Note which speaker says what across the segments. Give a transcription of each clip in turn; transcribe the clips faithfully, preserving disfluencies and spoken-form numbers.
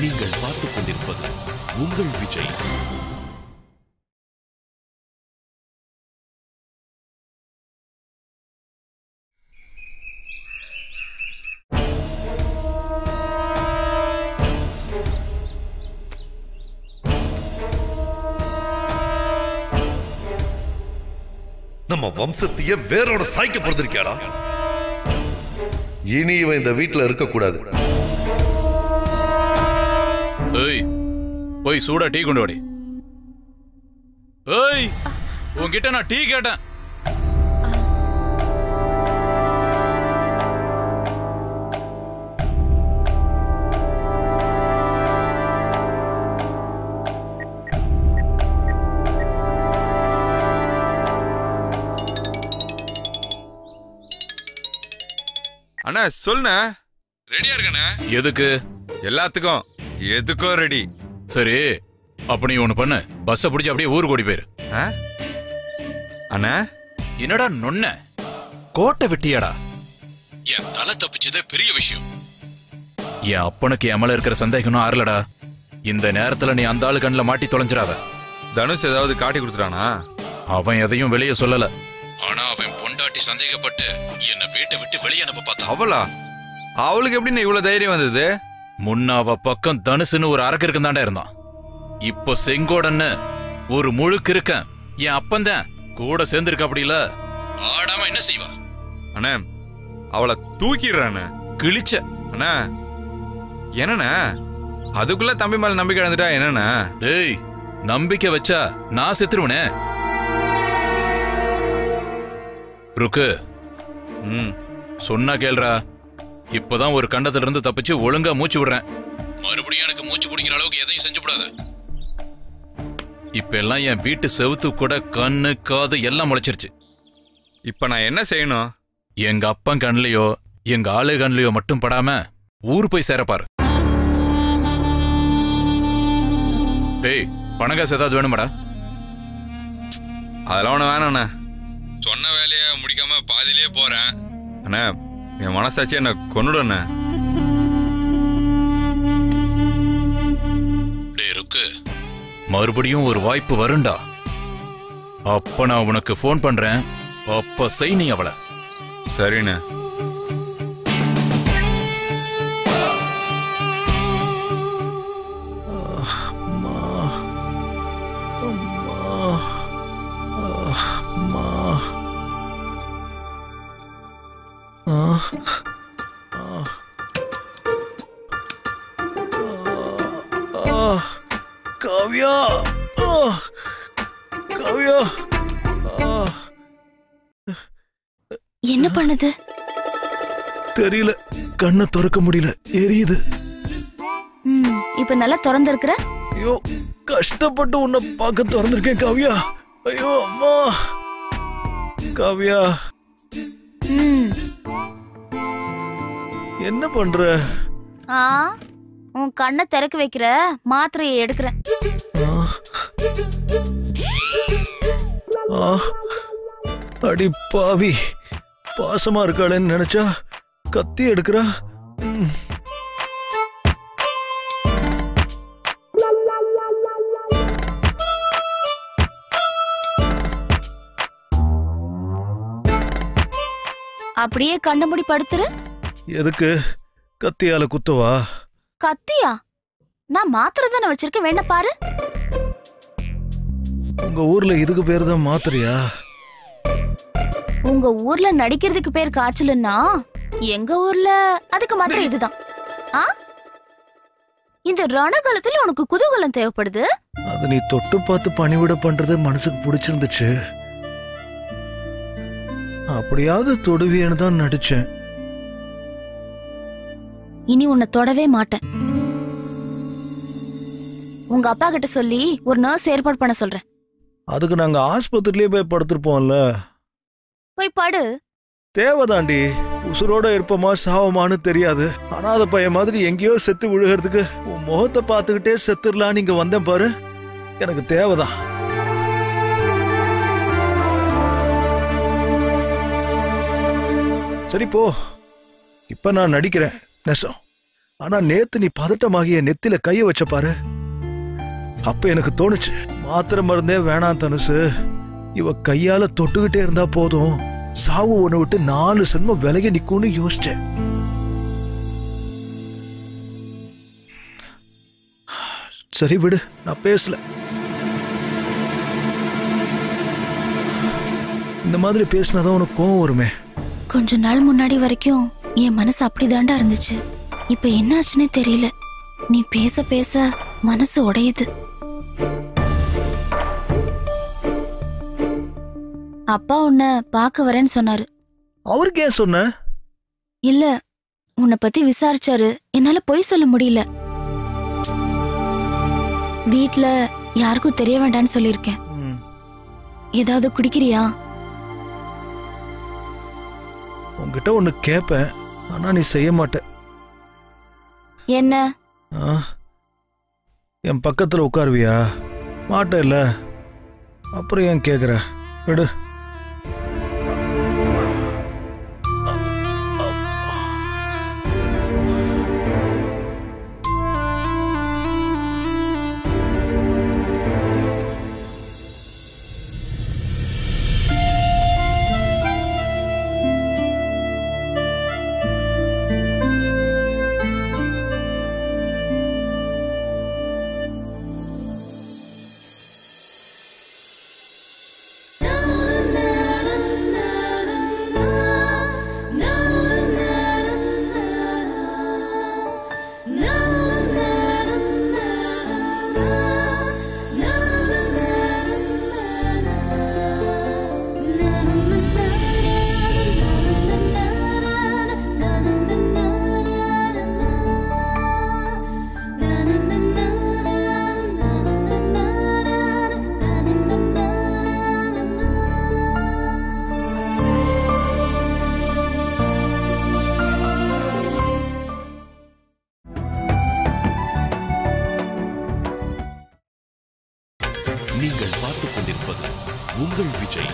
Speaker 1: நீங்கள் பார்த்துக் கொண்டிருப்பது உங்கள் விஜய்.
Speaker 2: நம்ம வம்சத்தையே வேரோட சாய்க்க பொறுத்திருக்கியாடா. இனி இவன் இந்த வீட்டுல இருக்க கூடாது.
Speaker 3: ஏய், போய் சூடா டீ கொண்டு வாடி. ஏய், உன்கிட்ட நான் டீ கேட்டேன்.
Speaker 4: அண்ணா சொல்லுண்ணா. ரெடியா இருக்கண்ணா.
Speaker 3: எதுக்கு?
Speaker 4: எல்லாத்துக்கும். எதுக்கும் ரெடி.
Speaker 3: சரி, அப்ப நீ ஒண்ணு பண்ணு, பஸ்ஸை பிடிச்சி அப்படியே ஊருக்கு ஓடி போயிரு.
Speaker 4: அண்ணா
Speaker 3: என்னடா நொன்ன கோட்டை வெட்டியாடா? என் தலை தப்பிச்சதே பெரிய விஷயம். என் அப்பனுக்கு என் மேல இருக்கிற சந்தேகம் ஆறலடா. இந்த நேரத்துல நீ அந்த ஆளு கண்ணில் மாட்டி தொலைஞ்சிடாத.
Speaker 4: தனுஷ் ஏதாவது காட்டி கொடுத்துட்டானா?
Speaker 3: அவன் எதையும் வெளியே சொல்லல. ஆனா அவன் பொண்டாட்டி சந்தேகப்பட்டு என்ன வீட்டை விட்டு வெளியே அனுப்ப பார்த்தா.
Speaker 4: அவளா? அவளுக்கு எப்படி இவ்வளவு தைரியம் வந்தது?
Speaker 3: முன்ன அவ பக்கம் தனுசுன்னு ஒரு அரக்கருக்கு தாண்டா இருந்தான். இப்போ செங்கோடன்னு ஒரு முழுக்கு இருக்கேன். என் அப்பந்தான் கூட சேர்ந்திருக்க. அப்படி இல்ல ஆடாம என்ன செய்வா?
Speaker 4: அண்ணா அவளை தூக்கிடுறானே.
Speaker 3: கிழிச்ச
Speaker 4: அண்ணா என்னண்ணா அதுக்குள்ள தம்பி மேல நம்பிக்கை இழந்துட்டா என்னண்ணா?
Speaker 3: டேய், நம்பிக்கை வச்சா நான் செத்துருவனே. ருக்கு,
Speaker 4: ம்
Speaker 3: சொன்னா கேள்றா. இப்பதான் ஒரு கண்டத்துல இருந்து தப்பிச்சு ஒழுங்கா மூச்சு விடுறேன். மறுபடியும் எனக்கு மூச்சு பிடிக்கிற அளவுக்கு எதையும் செஞ்சு விடாத. இப்ப எல்லாம் என் வீட்டு செவுத்து கூட கண்ணு காது எல்லாம் முளைச்சிருச்சு.
Speaker 4: இப்ப நான் என்ன செய்யணும்?
Speaker 3: எங்க அப்பன் கண்லயோ எங்க ஆளு கண்லயோ மட்டும் படாம ஊர் போய் சேரப்பாரு. டேய், பணங்காசு ஏதாவது வேணுமாடா?
Speaker 4: அதெல்லாம் ஒண்ணு வேணாண்ணா. சொன்ன வேலையை முடிக்காம பாதியிலேயே போறேன். அண்ணா என் மனசாட்சி என்ன கொன்னுடுண்ணே.
Speaker 3: டேய் ருக்கு, மறுபடியும் ஒரு வாய்ப்பு வருண்டா. அப்ப நான் உனக்கு போன் பண்றேன். அப்ப செய் நீ அவளை.
Speaker 4: சரிண்ணே.
Speaker 5: காவ்யா, காவ்யா,
Speaker 6: என்ன பண்ணுது
Speaker 5: தெரியல. கண்ணை திறக்க முடியல, எரியுது.
Speaker 6: ம், இப்ப நல்லா திறந்திருக்கிற.
Speaker 5: ஐயோ, கஷ்டப்பட்டு உன்னை பார்க்க திறந்திருக்கேன் காவ்யா. ஐயோ அம்மா. காவ்யா,
Speaker 6: ம்,
Speaker 5: என்ன பண்ற?
Speaker 6: ஆ, உன் கண்ணை திறக்க வைக்கிற மாத்திரையை எடுக்கிறேன்.
Speaker 5: அடி பாவி, பாசமா இருக்காளேன்னு நினைச்சா கத்தி எடுக்கிறா.
Speaker 6: அப்படியே கண்ண மூடி படுத்துரு.
Speaker 5: எதுக்கு? கத்தியால குத்தவா?
Speaker 6: கத்தியா? நான் மாத்திரை தானே வச்சிருக்கேன், வேணா பாரு.
Speaker 5: உங்க ஊர்ல இதுக்கு பேரு தான் மாத்திரையா?
Speaker 6: உங்க ஊர்ல நடிக்கிறதுக்கு பேர் காய்ச்சலுன்னா எங்க ஊர்ல அதுக்கு மாத்திரை இதுதான். ஆ, இந்த ரணகாலத்துல உனக்கு குதூகலம் தேவைப்படுது.
Speaker 5: அது நீ தொட்டு பார்த்து பணிவிட பண்றது மனசுக்கு பிடிச்சிருந்துச்சு. அப்படியாவது தொடுவியன்னு தான் நடிச்சேன்.
Speaker 6: இனி உன்னை தொடவே மாட்டேன். உங்க அப்பா கிட்ட சொல்லி ஒரு நர்ஸ் ஏற்பாடு பண்ண சொல்றேன்.
Speaker 5: அதுக்கு நாங்க ஆஸ்பத்திரியிலே போய் படுத்திருப்போம்ல.
Speaker 6: போய் படு.
Speaker 5: தேவைதாண்டி. உசுரோட இருப்போமா சாவமானு தெரியாது. அனாதை பையன் மாதிரி எங்கேயோ செத்து விழுகிறதுக்கு உன் முகத்தை பார்த்துக்கிட்டே செத்துடலாம் நீங்க வந்தேன் பாரு. எனக்கு தேவைதான். சரி போ. இப்ப நான் நடிக்கிறேன் நெசம். ஆனா நேத்து நீ பதட்டமாகிய நெத்தில கைய வச்ச பாரு, அப்ப எனக்கு தோணுச்சு மாத்திரை மருந்தே வேணாம் தனுசு, இவ கையால தொட்டுக்கிட்டே இருந்தா போதும், சாவு ஒண்ணு விட்டு நாலு சென்மம் விலகி நிக்கும்னு யோசிச்சேன். சரி விடு, நான் பேசல. இந்த மாதிரி பேசினாதான் உனக்கு கோவம் வருமே.
Speaker 6: கொஞ்ச நாள் முன்னாடி வரைக்கும் என் மனசு அப்படிதாண்டா இருந்துச்சு. இப்ப என்னாச்சுன்னே தெரியல. நீ பேச பேச மனசு உடையுது. அப்பா உன்னை பார்க்க வரேன்னு சொன்னாரு.
Speaker 5: அவருக்கு ஏன் சொன்ன?
Speaker 6: இல்ல, உன்னை பத்தி விசாரிச்சாரு. என்னால பொய் சொல்ல முடியல. வீட்ல யாருக்கும் தெரிய வேண்டாம்னு சொல்லிருக்கேன். ஏதாவது குடிக்கிறியா?
Speaker 5: உன்கிட்ட ஒண்ணு கேப்பேன், ஆனா நீ செய்ய மாட்ட.
Speaker 6: என்ன?
Speaker 5: என் பக்கத்துல உட்காருவியா? மாட்ட இல்ல, அப்புறம் ஏன் கேக்குற? விடு.
Speaker 1: நீங்கள் பார்த்துக் கொண்டிருப்பது உங்கள் விஜய்.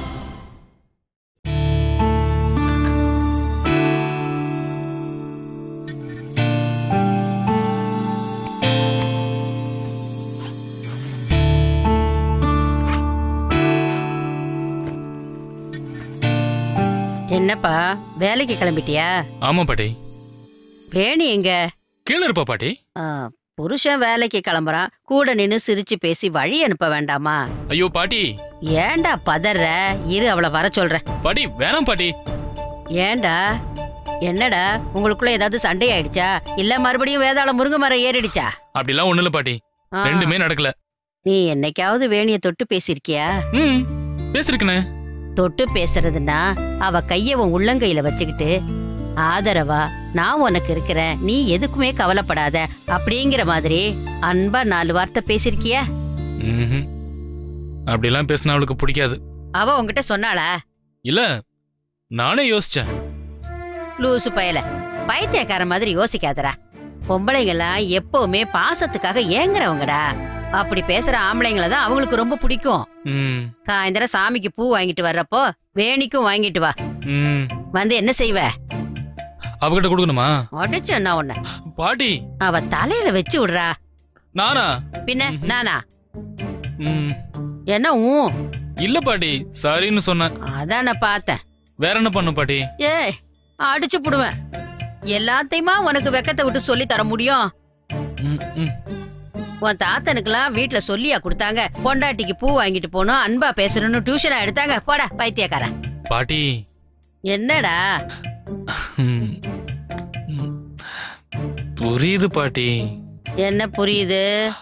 Speaker 7: என்னப்பா வேலைக்கு கிளம்பிட்டியா?
Speaker 3: ஆமா பாட்டி.
Speaker 7: வேணி எங்க?
Speaker 3: கீழே இருப்பா பாட்டி.
Speaker 7: புருஷன் வேலைக்கு கிளம்புறான், கூட நின்னு சிரிச்சு பேசி வழி அனுப்ப வேண்டாமா?
Speaker 3: ஐயோ பாட்டி.
Speaker 7: ஏண்டா பதற? இரு, அவளை வர சொல்றேன்.
Speaker 3: பாட்டி வேணாம் பாட்டி.
Speaker 7: ஏண்டா? என்னடா உங்களுக்குள்ள ஏதாவது சண்டை ஆயிடுச்சா? இல்ல மறுபடியும் வேதாள முருங்கை மரம் ஏறிடுச்சா?
Speaker 3: அப்படிலாம் ஒண்ணு இல்ல பாட்டி, ரெண்டுமே நடக்கல.
Speaker 7: நீ என்னைக்காவது வேணிய தொட்டு பேசிருக்கியா?
Speaker 3: ம், பேசிருக்கனே.
Speaker 7: தொட்டு பேசுறதுன்னா அவ கைய உன் உள்ளங்கையில வச்சுக்கிட்டு ஆதரவா நான் உனக்கு இருக்கிறேன், நீ எதுக்குமே கவலைப்படாத அப்படிங்கிற மாதிரி அன்பா நாலு வார்த்தை பேசிருக்கியா?
Speaker 3: அப்படிலாம் பேசினா அவளுக்கு பிடிக்காது.
Speaker 7: அவ உன்கிட்ட சொன்னாளா?
Speaker 3: இல்ல, நானே யோசிச்சேன்.
Speaker 7: லூசு பயல, பைத்தியக்கார மாதிரி யோசிக்காதடா. பொம்பளைங்கெல்லாம் எப்பவுமே பாசத்துக்காக ஏங்குறவங்கடா. அப்படி பேசுற ஆம்பளைங்களை தான் அவங்களுக்கு ரொம்ப பிடிக்கும். சாயந்தரம் சாமிக்கு பூ வாங்கிட்டு வர்றப்போ வேணிக்கும் வாங்கிட்டு வா. வந்து என்ன செய்வ?
Speaker 3: அவகிட்ட கொடுக்கணுமா?
Speaker 7: அடிச்சு என்ன உன்ன
Speaker 3: பாட்டி?
Speaker 7: அவ தலையில வச்சு விடுறா.
Speaker 3: நானா?
Speaker 7: பின்ன நானா? என்ன ஊ?
Speaker 3: இல்ல பாட்டி, சரின்னு சொன்ன.
Speaker 7: அதான் நான் பார்த்தேன்.
Speaker 3: வேற என்ன பண்ண பாட்டி?
Speaker 7: ஏய், அடிச்சு புடுவேன். எல்லாத்தையுமா உனக்கு வெக்கத்தை விட்டு சொல்லி தர முடியும்? உன் தாத்தனுக்குலாம் வீட்டுல சொல்லியா கொடுத்தாங்க பொண்டாட்டிக்கு பூ வாங்கிட்டு போனோம், அன்பா பேசணும்னு டியூஷனா எடுத்தாங்க? போடா பைத்தியக்கார.
Speaker 3: பாட்டி.
Speaker 7: என்னடா?
Speaker 3: புரியுது பாட்டி.
Speaker 7: என்ன புரியுது?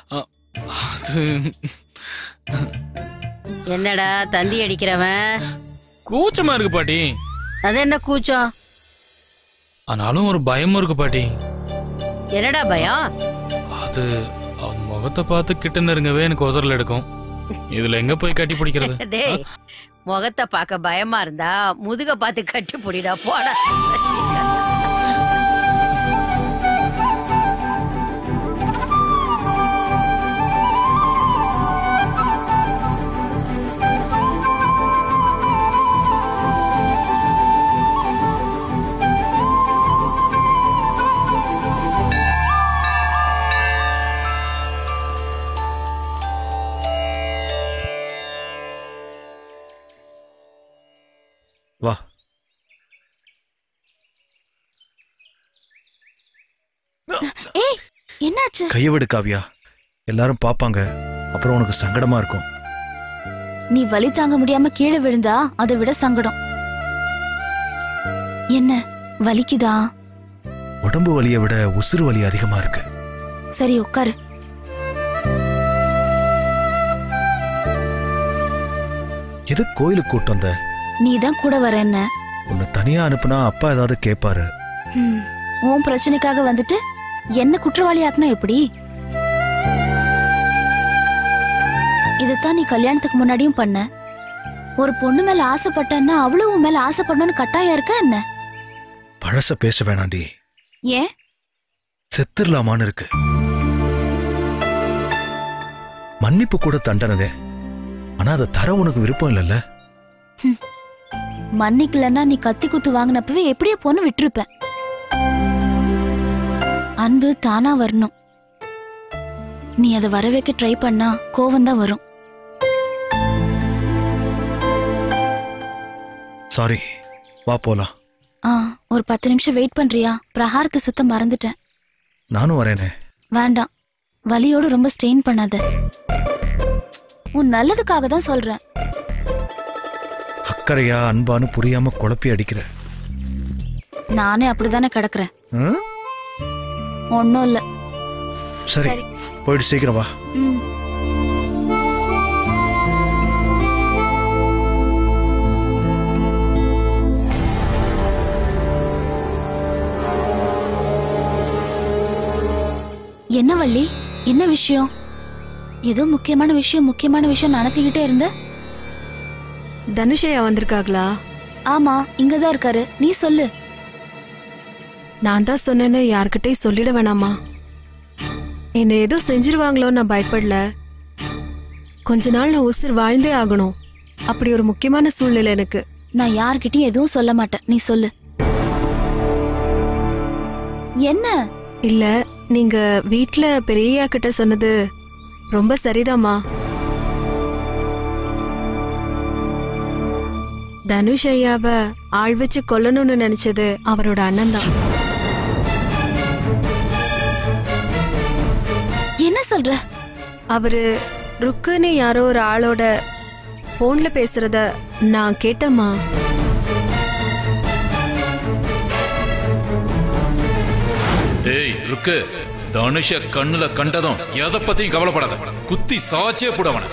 Speaker 7: என்னடா தந்தி அடிக்கிறவன்?
Speaker 3: கூச்சமா இருக்கு பாட்டி.
Speaker 7: அது என்ன கூச்சம்?
Speaker 3: ஆனாலும் ஒரு பயமும் இருக்கு பாட்டி.
Speaker 7: என்னடா பயம்?
Speaker 3: அது அவன் முகத்தை பார்த்து கிட்ட நெருங்கவே எனக்கு உதறல் எடுக்கும். இதுல எங்க போய் கட்டி பிடிக்கிறது?
Speaker 7: டேய், முகத்தை பார்க்க பயமா இருந்தா முதுக பார்த்து கட்டி பிடிடா, போடா.
Speaker 6: என்னாச்சு?
Speaker 5: கைய விடு காவியா, எல்லாரும் பாப்பாங்க, அப்புறம் உனக்கு சங்கடமா இருக்கும்.
Speaker 6: நீ வலி தாங்க முடியாம கீழே விழுந்தா அதை விட சங்கடம். என்ன வலிக்குதா?
Speaker 5: உடம்பு வலியை விட உசுறு வலி அதிகமா இருக்கு.
Speaker 6: சரி உட்காரு.
Speaker 5: எது கோயிலுக்கு கூட்டு வந்த?
Speaker 6: நீதான் கூட வர என்ன?
Speaker 5: உன்னை தனியா அனுப்புனா அப்பா ஏதாவது கேட்பாரு.
Speaker 6: ஹம், உன் பிரச்சனைக்காக வந்துட்டு என்ன குற்றவாளி ஆக்குனா எப்படி? இதத்தான் நீ கல்யாணத்துக்கு முன்னாடியும் பண்ண. ஒரு பொண்ணு மேல ஆசைப்பட்டன்னா அவளும் உன் மேல ஆசைப்படணும்னு கட்டாயம் இருக்கா என்ன?
Speaker 5: பழச பேச வேணாண்டி.
Speaker 6: ஏன்?
Speaker 5: செத்துடலாமான்னு இருக்கு. மன்னிப்பு கூட தண்டனதே, ஆனா அதை தர உனக்கு விருப்பம் இல்லைல்ல?
Speaker 6: மன்னிக்கலன்னா நீ கத்தி குத்து வாங்கினப்பவே எப்படியே பொண்ணு விட்டுருப்ப. அன்பு தானா வரணும். நீ அதை வர வைக்க ட்ரை பண்ணா கோவம் தான் வரும்.
Speaker 5: சாரி, வா போலாம்.
Speaker 6: ஆ, ஒரு பத்து நிமிஷம் வெயிட் பண்றியா? பிரகாரத்தை சுத்த மறந்துட்டேன்.
Speaker 5: நானும் வரேனே.
Speaker 6: வேண்டாம், வலியோட ரொம்ப ஸ்ட்ரெயின் பண்ணாத. உன் நல்லதுக்காக தான் சொல்றேன்.
Speaker 5: அக்கறையா அன்பானு புரியாம குழப்பி அடிக்கிற.
Speaker 6: நானே அப்படிதானே கிடக்குறேன்.
Speaker 5: ம்?
Speaker 6: ஒன்னும் இல்ல.
Speaker 5: சரி, போயிட்டு சீக்கிரம் வா.
Speaker 6: ம். என்ன வள்ளி, என்ன விஷயம்? ஏதோ முக்கியமான விஷயம் முக்கியமான விஷயம் நடத்திக்கிட்டே இருந்த.
Speaker 8: தனுஷையா வந்திருக்காங்களா?
Speaker 6: ஆமா, இங்கதான் இருக்காரு. நீ சொல்லு.
Speaker 8: நான் தான் சொன்னேன்னு யார்கிட்டயும் சொல்லிட வேணாமா? என்ன ஏதோ செஞ்சிருவாங்களோ நான் பயப்படல. கொஞ்ச நாள் நான் உசுர் வாழ்ந்தே ஆகணும். அப்படி ஒரு முக்கியமான சூழ்நிலை எனக்கு.
Speaker 6: நான் யார்கிட்டயும் எதுவும் சொல்ல மாட்டேன். நீ சொல்லு. என்ன?
Speaker 8: இல்ல, நீங்க வீட்ல பெரியயா கிட்ட சொன்னது ரொம்ப சரிதாம்மா. தனுஷ் ஐயாவ ஆள் வச்சு கொல்லணும்னு நினைச்சது அவரோட அண்ணன் தான்.
Speaker 6: என்ன சொல்ற?
Speaker 8: அவரு ருக்குன்னு யாரோ ஒரு ஆளோட போன்ல பேசுறத நான் கேட்டேம்மா.
Speaker 3: ஏய் ருக்கு, தனுஷ கண்ணுல கண்டதும் எதை பத்தியும் கவலைப்படாத. குத்தி சாச்சே போடவன.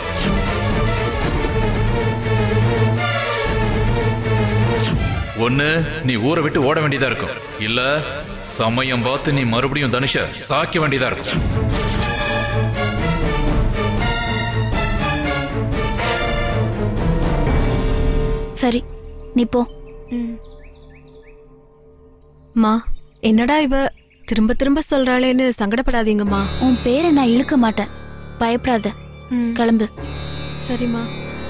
Speaker 3: ஒண்ணு நீ ஊரை விட்டு ஓட வேண்டியதா இருக்கும், இல்ல சமயம் பார்த்து நீ மறுபடியும் தனுஷ சாக்க வேண்டியதா இருக்கும்.
Speaker 6: சரி, நீ போ.
Speaker 8: மா, என்னடா இவ திரும்ப திரும்ப சொல்றாளேன்னு சங்கடப்படாதீங்கம்மா.
Speaker 6: உன் பேரை நான் இழுக்க மாட்டேன், பயப்படாத. கிளம்பு.
Speaker 8: சரிம்மா.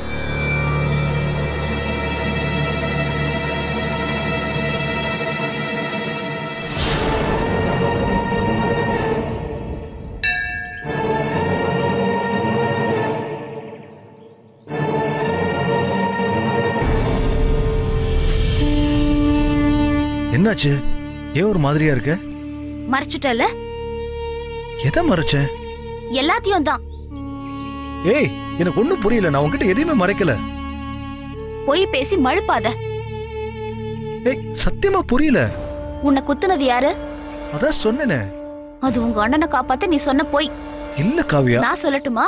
Speaker 5: என்னாச்சு? ஏன் ஒரு மாதிரியா இருக்க?
Speaker 6: மறைச்சிட்டல?
Speaker 5: எதை மறைச்சேன்?
Speaker 6: எல்லாத்தையும் தான்.
Speaker 5: ஏய், எனக்கு ஒண்ணும் புரியல. நான் உன்கிட்ட எதையுமே மறைக்கல.
Speaker 6: போய் பேசி மழுப்பாத.
Speaker 5: ஏய், சத்தியமா புரியல.
Speaker 6: உன்னை குத்துனது யாரு?
Speaker 5: அதான் சொன்னேனே.
Speaker 6: அது உங்க அண்ணனை காப்பாத்த நீ சொன்ன போய்.
Speaker 5: இல்ல காவியா.
Speaker 6: நான் சொல்லட்டுமா?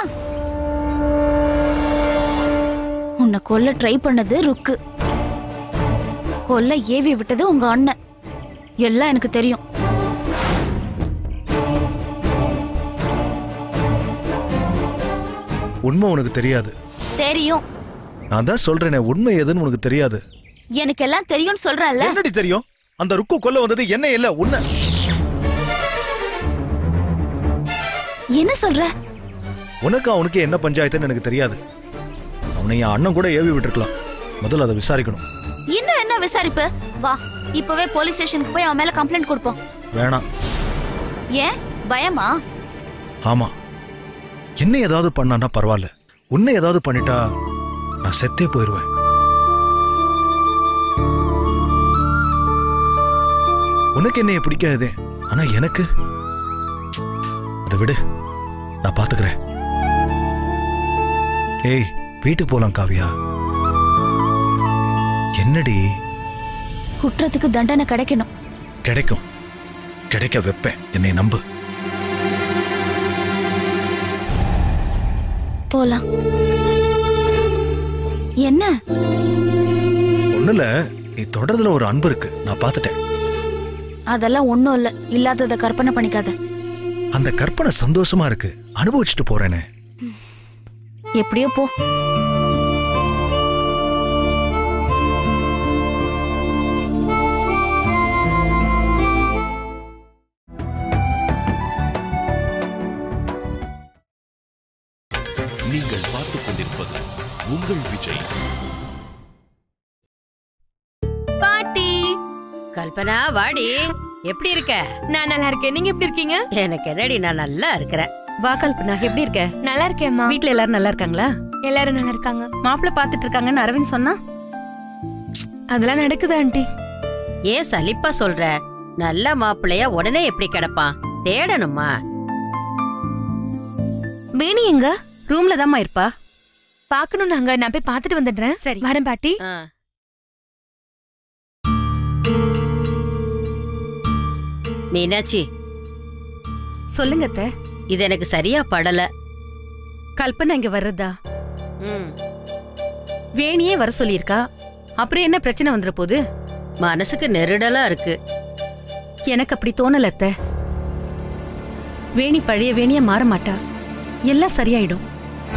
Speaker 6: உன்னை கொல்ல ட்ரை பண்ணது ருக்கு, கொல்ல ஏவி விட்டது உங்க அண்ணன். எல்லாம் எனக்கு தெரியும்.
Speaker 5: உண்மை உனக்கு தெரியாது.
Speaker 6: தெரியும்.
Speaker 5: நான் தான் சொல்றேனே, உண்மை எதுன்னு உனக்கு தெரியாது.
Speaker 6: எனக்கு எல்லாம் தெரியும்னு சொல்றேன்ல.
Speaker 5: என்னடி தெரியும்? அந்த ருக்கு கொல்ல வந்தது என்ன இல்ல உன்னை.
Speaker 6: என்ன சொல்ற?
Speaker 5: உனக்கு அவனுக்கு என்ன பஞ்சாயத்துன்னு எனக்கு தெரியாது. அவனை என் அண்ணன் கூட ஏவி விட்டுருக்கலாம். முதல்ல அதை விசாரிக்கணும்.
Speaker 6: இன்னும் என்ன விசாரிப்பு? வா, இப்பவே போலீஸ் ஸ்டேஷனுக்கு போய் அவன் மேல கம்ப்ளைண்ட் கொடுப்போம்.
Speaker 5: வேணாம்.
Speaker 6: ஏன் பயமா?
Speaker 5: ஆமா, என்ன ஏதாவது பண்ணான்னா பரவாயில்ல. உன்னை ஏதாவது பண்ணிட்டா நான் செத்தே போயிருவேன். உனக்கு என்னைய பிடிக்காதே, ஆனா எனக்கு அதை விடு, நான் பாத்துக்கிறேன். ஏய், வீட்டுக்கு போலாம் காவியா. என்னடி?
Speaker 6: குற்றத்துக்கு தண்டனை கிடைக்கணும்.
Speaker 5: கிடைக்கும், கிடைக்க வைப்பேன், என்னை நம்பு.
Speaker 6: போலாம். என்ன?
Speaker 5: ஒண்ணுல, நீ தொடர்றதுல ஒரு அன்பு இருக்கு, நான் பாத்துட்டேன்.
Speaker 6: அதெல்லாம் ஒண்ணும் இல்ல, இல்லாதத கற்பனை பண்ணிக்காத.
Speaker 5: அந்த கற்பனை சந்தோஷமா இருக்கு, அனுபவிச்சுட்டு போறேனே.
Speaker 6: எப்படியோ போ.
Speaker 1: நீங்கள் பார்த்துக் கொண்டிருப்பது உங்கள் விஜய்.
Speaker 7: பாட்டி கல்பனா, வாடி. எப்படி இருக்க?
Speaker 8: நான் நல்லா இருக்கேன். நீங்க எப்படி இருக்கீங்க?
Speaker 7: எனக்கு என்னடி, நான் நல்லா இருக்கிறேன்.
Speaker 9: வா கல்பனா, எப்படி இருக்க?
Speaker 8: நல்லா இருக்கேம்மா.
Speaker 9: வீட்ல எல்லாரும் நல்லா இருக்காங்களா?
Speaker 8: எல்லாரும் நல்லா இருக்காங்க.
Speaker 9: மாப்பிள்ள பாத்துட்டு இருக்காங்கன்னு அரவிந்த் சொன்னா.
Speaker 8: அதெல்லாம் நடக்குது ஆண்டி.
Speaker 7: ஏன் சலிப்பா சொல்ற? நல்ல மாப்பிள்ளையா உடனே எப்படி கிடப்பான்? தேடணுமா?
Speaker 8: வேணி எங்க?
Speaker 9: ரூம்ல தாம்மா இருப்பா.
Speaker 8: பாக்கணும் நாங்க. நான் போய் பாத்துட்டு வந்துடுறேன்.
Speaker 9: சரி.
Speaker 8: வரேன் பாட்டி.
Speaker 7: ஆ. மீனாட்சி,
Speaker 9: சொல்லுங்க அத்தை.
Speaker 7: இது எனக்கு சரியா படல.
Speaker 9: கல்பனா இங்க வர்றதா?
Speaker 7: ம்.
Speaker 9: வேணியே வர சொல்லியிருக்கா. அப்புறம் என்ன பிரச்சனை வந்துற போது?
Speaker 7: மனசுக்கு நெருடலா இருக்கு.
Speaker 9: எனக்கு அப்படி தோணல அத்தை. வேணி பழைய வேணியா மாற மாட்டா. எல்லாம் சரியாயிடும்.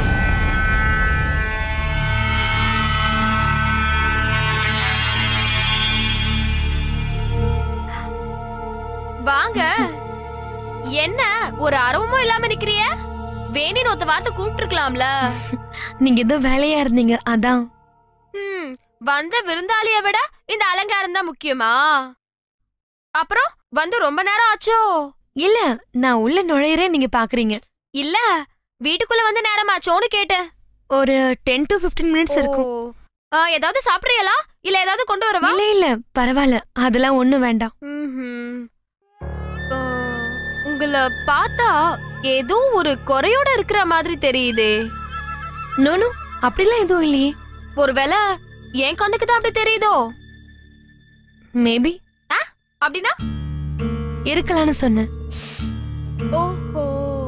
Speaker 10: வாங்க. என்ன ஒரு அரவமும் இல்லாம நிக்கிறிய? வேணின்னு ஒத்த வார்த்தை கூப்பிட்டுருக்கலாம்ல.
Speaker 8: நீங்க ஏதோ வேலையா இருந்தீங்க, அதான்.
Speaker 10: ம், வந்த விருந்தாளிய விட இந்த அலங்காரம் தான் முக்கியமா? அப்புறம் வந்து ரொம்ப நேரம் ஆச்சோ?
Speaker 8: இல்ல, நான் உள்ள நுழையறேன், நீங்க பாக்குறீங்க.
Speaker 10: இல்ல, வீட்டுக்குள்ள வந்து நேரமாச்சோன்னு கேட்டேன்.
Speaker 8: ஒரு டென் டு பிப்டீன் மினிட்ஸ் இருக்கும்.
Speaker 10: ஆ, ஏதாவது சாப்பிடுறீங்களா? இல்ல ஏதாவது கொண்டு வரவா?
Speaker 8: இல்ல இல்ல, பரவாயில்ல, அதெல்லாம் ஒண்ணும் வேண்டாம்.
Speaker 10: ம்ஹும். ஆ, உங்களை பார்த்தா ஏதோ ஒரு குறையோட இருக்கிற மாதிரி தெரியுதே.
Speaker 8: நோனோ, அப்படிலாம் எதுவும் இல்லையே.
Speaker 10: ஒருவேளை என் கண்ணுக்கு தான் அப்படி தெரியுதோ?
Speaker 8: மேபி.
Speaker 10: அப்படின்னா
Speaker 8: இருக்கலாம்னு சொன்னேன்.
Speaker 10: ஓஹோ.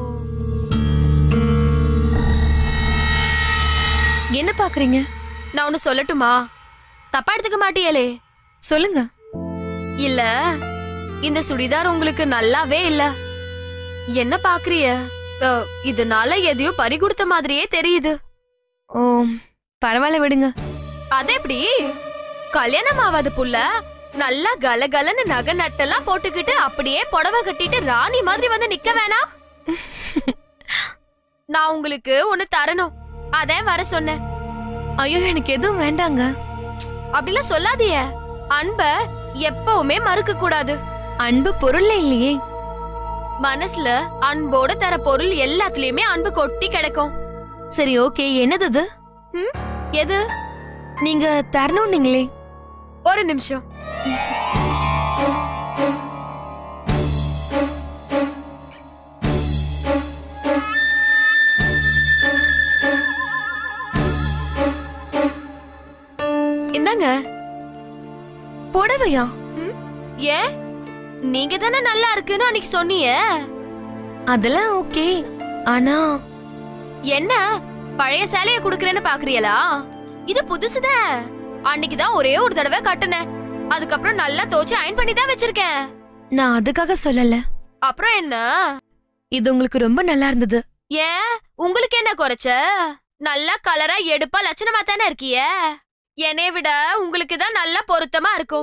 Speaker 8: என்ன பாக்குறீங்க?
Speaker 10: நான் ஒன்னு சொல்லட்டுமா? தப்பா எடுத்துக்க மாட்டியலே?
Speaker 8: சொல்லுங்க.
Speaker 10: இல்ல, இந்த சுடிதார் உங்களுக்கு நல்லாவே இல்ல. என்ன பாக்குறிய? அஹ், இதனால எதையோ பறி கொடுத்த மாதிரியே தெரியுது.
Speaker 8: ஓ, பரவாயில்ல, விடுங்க.
Speaker 10: அது எப்படி? கல்யாணம் ஆகாத புள்ள நல்லா கலகலன்னு நகை நட்டெல்லாம் போட்டுக்கிட்டு அப்படியே புடவை கட்டிட்டு ராணி மாதிரி வந்து நிக்க வேணாம்? நான் உங்களுக்கு ஒண்ணு தரணும், அதான் வர சொன்னேன்.
Speaker 8: ஐயோ, எனக்கு எதுவும் வேண்டாங்க.
Speaker 10: அப்படிலாம் சொல்லாதீய. அன்ப எப்பவுமே மறுக்க கூடாது.
Speaker 8: அன்பு பொருள்ல இல்லையே.
Speaker 10: மனசுல அன்போட தர பொருள் எல்லாத்துலயுமே அன்பு கொட்டி கிடக்கும்.
Speaker 8: சரி, ஓகே. என்னது அது?
Speaker 10: ம், எது?
Speaker 8: நீங்க தரணும் நீங்களே.
Speaker 10: ஒரு நிமிஷம். என்னங்க?
Speaker 8: புடவையா?
Speaker 10: ஏன், நீங்க தானே நல்லா இருக்குன்னு அன்னைக்கு சொன்னீங்க.
Speaker 8: அதெல்லாம் ஓகே. ஆனா
Speaker 10: என்ன பழைய சேலைய குடுக்கறேன்னு பாக்குறீங்களா? இது புதுசுதான். அன்னைக்குதான் ஒரே ஒரு தடவை கட்டுனேன். அதுக்கப்புறம் நல்லா தோச்சு அயன் பண்ணி தான் வச்சிருக்கேன்.
Speaker 8: நான் அதுக்காக சொல்லல.
Speaker 10: அப்புறம் என்ன?
Speaker 8: இது உங்களுக்கு ரொம்ப நல்லா இருந்தது.
Speaker 10: ஏன், உங்களுக்கு என்ன குறைச்ச? நல்லா கலரா எடுப்பா லட்சணமா தானே இருக்கிய. என்னை விட உங்களுக்கு தான் நல்லா பொருத்தமா இருக்கும்.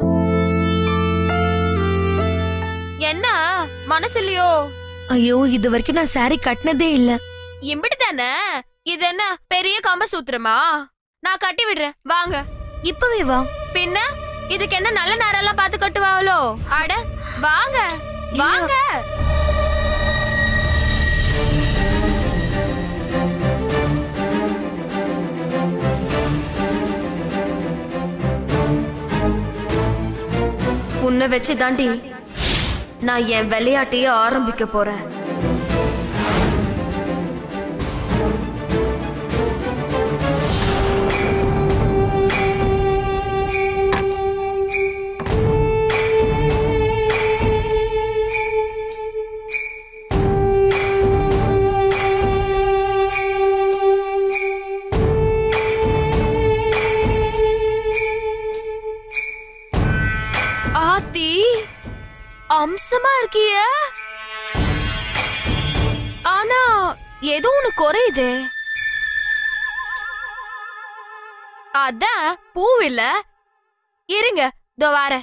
Speaker 10: என்ன மனசு இல்லையோ?
Speaker 8: ஐயோ, இது வரைக்கும் நான் சாரி கட்டினதே இல்ல.
Speaker 10: இம்பிட்டு தானே. இது என்ன பெரிய கம்ப சூத்திரமா? நான் கட்டி விடுறேன், வாங்க.
Speaker 8: இப்பவே வா.
Speaker 10: பின்ன இதுக்கு என்ன நல்ல நேரம் எல்லாம் பார்த்து கட்டுவாங்களோ? அட வாங்க வாங்க. உன்னை வச்சு தாண்டி நான் என் விளையாட்டையே ஆரம்பிக்க போறேன். அம்சமா இருக்கிய. ஆனா ஏதோ ஒண்ணு குறையுது. அதான் பூவில்ல. இருங்க, இதோ வாரேன்.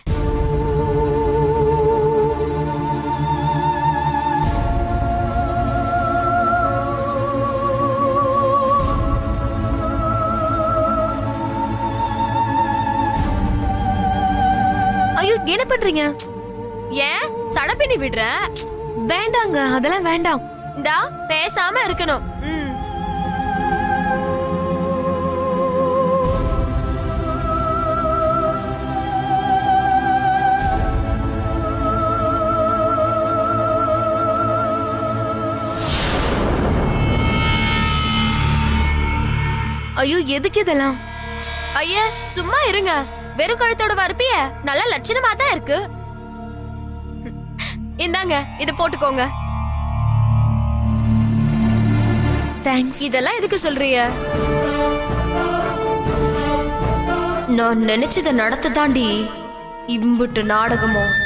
Speaker 9: ஐயோ, என்ன பண்றீங்க?
Speaker 10: ஏன் சடப்பினி விடுற?
Speaker 9: வேண்டாங்க, அதெல்லாம் வேண்டாம்.
Speaker 10: இந்தா பேசாம இருக்கணும். ம்.
Speaker 9: ஐயோ, எதுக்கு இதெல்லாம்?
Speaker 10: ஐயா சும்மா இருங்க. வெறும் கழுத்தோட வரப்பிய நல்ல லட்சணமா தான் இருக்கு. இந்தாங்க, இத போட்டுக்கோங்க.
Speaker 9: தேங்க்ஸ்.
Speaker 10: இதெல்லாம் எதுக்கு சொல்றிய? நான் நினைச்சத நடத்த தாண்டி இம்புட்டு நாடகமோ.